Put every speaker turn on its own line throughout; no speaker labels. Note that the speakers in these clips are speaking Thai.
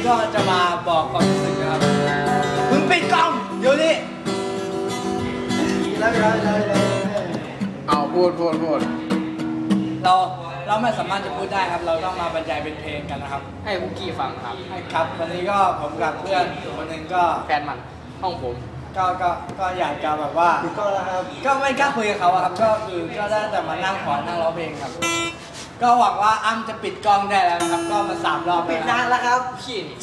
ก็จะมาบอกความรู้สึกนะครับมึงปิดกล้องเดี๋ยวนี้แล้ว
เอาพูด
เราไม่สามารถจะพูดได้ครับเราต้องมาบรรยายเป็นเพลงกันนะครับ
ให้คุกกี้ฟังครับ
ครับวันนี้ก็ผมกับเพื่อนคนหนึ่งก็
แฟนมันห้องผม
ก็อยากจะแบบว่าก็ไม่กล้าคุยกับเขาครับก็คือก็ได้แต่มานั่งขอนั่งร้องเพลงครับก็หวังว่าอ้ำจะปิดกล้องได้แล้วนะครับก็มา3 รอบ
ปิดนานแล้วครับ
ขี้นี่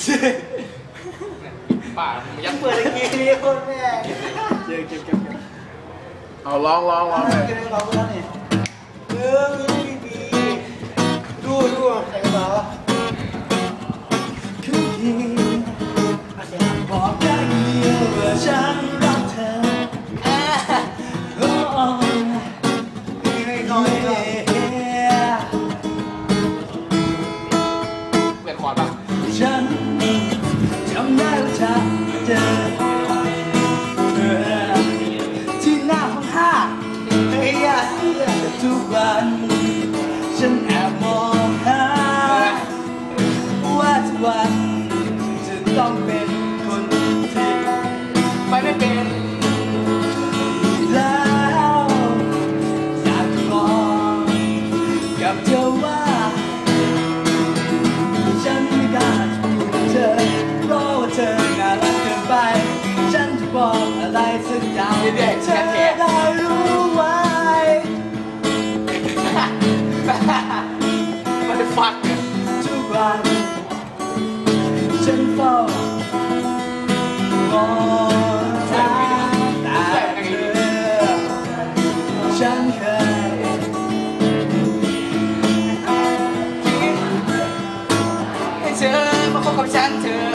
ป่า
ยัเปิดอีกทีคนแม่
เก็บ
เอาร้อง
เลยร้องแล้วนี่ดีดูใส่กระเป๋า
บอกได้เดียวว่าฉันรักเธอ
เปลี่ยนคอร์ดป่ะ
ฉันจำได้ว่าฉันเจอเธอที่หน้าห้องห้าทุกวันฉันแอบมองหาว่าทุกวันจะต้องเป็นคนที่
ไปไม่เป็น
แล้วอยากบอกกับเธอว่าฉันไม่กล้าพูดกับเธอเพราะว่าเธอน่ารักเกินไปฉันจะบอกอะไรสักอย่างให้เธอได้รู้ไว้
มันจะฟัก
ทุกวันฉันเฝ้ามองตาเธอฉันเคย
ให้เธอมาคบกับฉันเธอ